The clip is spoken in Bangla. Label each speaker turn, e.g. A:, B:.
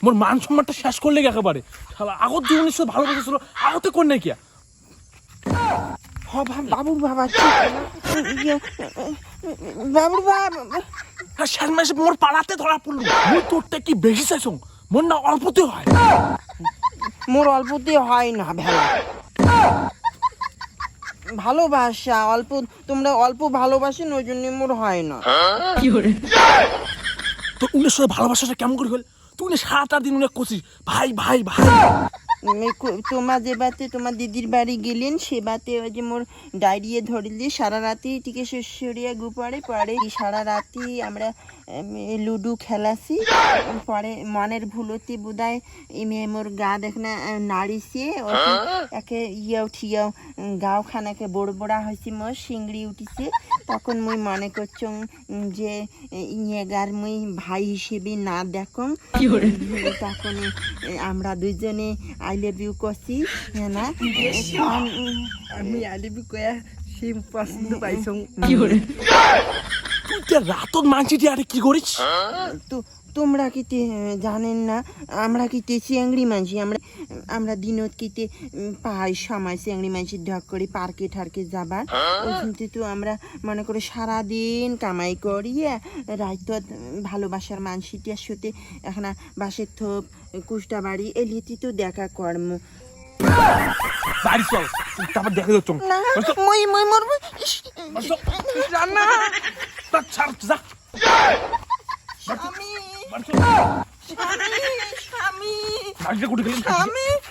A: মোর মান সম্মানটা শেষ করলে একেবারে শালা আগত জীবনের সাথে ভালোবাসা আগতে কোন নাই কিয়া
B: বাবুর বাবা বাবুর বাবা
A: শেষ মাসে মোর পাড়াতে ধরা পড়লো মুই তোরটা কি বেশি চাইছ মোর না অল্পতে হয়
B: মোর অল্পতে হয় না ভেলা ভালোবাসা অল্প তোমরা অল্প ভালোবাসেন ওই জন্য মোর হয় না
A: তো উনের সাথে ভালোবাসাটা কেমন করে হল তুই না 7-8 দিন উনি করছিস ভাই ভাই ভাই
B: তোমার যে বাতে তোমার দিদির বাড়ি গেলেন সে বাতে ওই যে মোর ডায়রিয়ে ধরলি সারা রাতি টিকে শ্বশুরিয়া গুপারে পরে সারা রাতি আমরা লুডু খেলাছি পরে মনের ভুলতি বোধহয় মেয়ে মোর গা দেখ না নাড়িছে একে উঠিয়াও গাও খানাকে বড় বড়া হয়েছে মোর শিংড়ি উঠিছে তখন মুই মনে করছ যে ইয়েগার মুই ভাই হিসেবে না দেখো তখন আমরা দুইজনে আই লাভ ইউ করছি না
C: আমি আই লাভ ইউ কয়া সিম পছন্দ পাইছো
A: তুই রাতত মানছিটি আরে কি করিস
B: তো তোমরা কিতে জানেন না আমরা কিতে চিংড়ি মানছি আমরা দিনত কিতে পাই সময় চিংড়ি মানছি ঢক করে পার্কে ঠার্কে যাবার ওইখানতে তো আমরা মনে করে সারাদিন কামাই করিয়ে রাইতত ভালোবাসার মানসিটির সাথে এখন বাসের থোপ কুষ্টা বাড়ি এলিয়েতে তো দেখা কর্ম
A: বাড়ি চল তারপর দেখে যাচ্ছ
B: না মই মরবো
A: রান্না ছাড় যা
B: স্বামী
A: বাড়ি
B: স্বামী
A: বাড়িতে কুটি গেলেন
B: স্বামী